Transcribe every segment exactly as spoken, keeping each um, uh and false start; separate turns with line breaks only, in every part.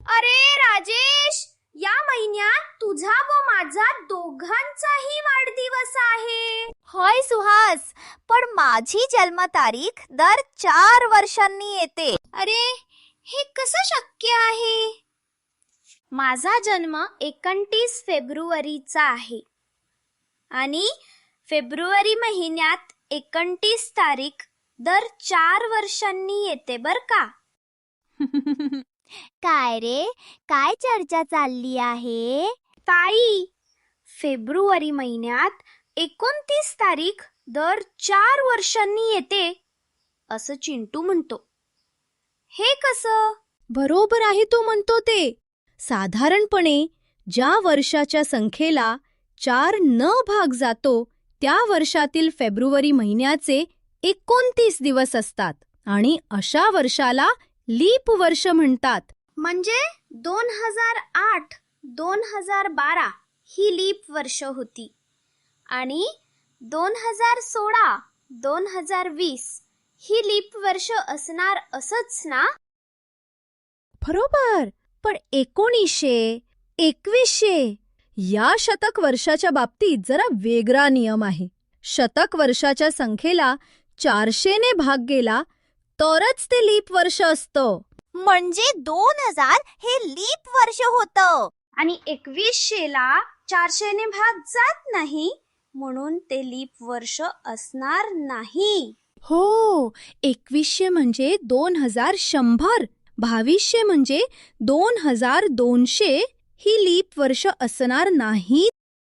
अरे राजेश, या महिन्यात तुझा व माझा दोघांचाही वाढदिवस आहे.
होय सुहास, पण माझी जन्मतारीख दर चार वर्षांनी येते.
अरे, हे कसं शक्य आहे? माझा जन्म एकोणतीस फेब्रुवारीचा आहे आणि फेब्रुवारी महिन्यात एकोणतीस तारीख दर चार वर्षांनी येते बर का.
काय रे, काय चर्चा चालली आहे?
ताई, फेब्रुवारी महिन्यात एकोणतीस तारीख दर चार वर्षांनी येते असं चिंटू म्हणतो. हे कसं?
बरोबर आहे तो म्हणतो ते. साधारणपणे ज्या वर्षाच्या संख्येला चार न भाग जातो त्या वर्षातील फेब्रुवारी महिन्याचे एकोणतीस दिवस असतात आणि अशा वर्षाला लीप वर्ष म्हणतात.
म्हणजे दोन हजार आठ दोन हजार बारा ही लीप वर्ष होती आणि दोन हजार सोळा दोन हजार वीस ही लीप वर्ष असणार असंच ना?
बरोबर. पण एकोणीसशे एकवीसशे या शतक वर्षाच्या बाबतीत जरा वेगळा नियम आहे. शतक वर्षाच्या संख्येला चारशेने भाग गेला तरच ते लीप वर्ष असतं.
म्हणजे दोन हजार हे लीप वर्ष होतं
आणि एकवीसशेला चारशेने भाग जात नाही म्हणून ते लीप वर्ष असणार नाही.
हो, एकवीसशे म्हणजे दोन हजार शंभर, बावीसशे म्हणजे दोन हजार दोनशे ही लीप वर्ष असणार नाहीत.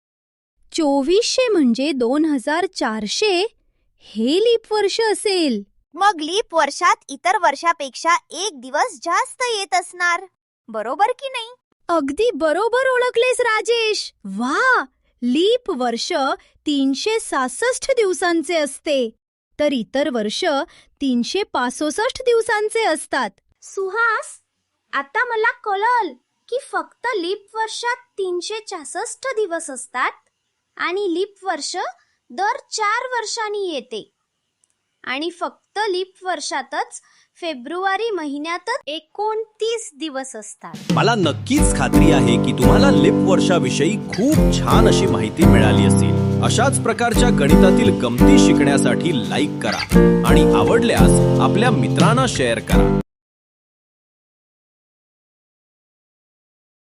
चोवीसशे म्हणजे दोन हजार चारशे हे लीप वर्ष असेल.
मग लीप वर्षात इतर वर्षापेक्षा एक दिवस जास्त येत असणार, बरोबर की नाही?
अगदी बरोबर ओळखलेस राजेश. वा, लीप वर्ष तीनशे सहासष्ट दिवसांचे असते तर इतर वर्ष तीनशे पासष्ट दिवसांचे असतात.
सुहास, आता मला कळलं की फक्त लीप वर्षात तीनशे छासष्ट दिवस असतात आणि लीप वर्ष दर चार वर्षांनी येते आणि फक्त लीप वर्षातच फेब्रुवारी महिन्यातच एकोणतीस दिवस असतात.
मला नक्कीच खात्री आहे की तुम्हाला लीप वर्षाविषयी खूप छान अशी माहिती मिळाली असेल. अशाच प्रकारच्या गणितातील गमती शिकण्यासाठी लाईक करा आणि आवडल्यास आपल्या मित्रांना शेअर करा.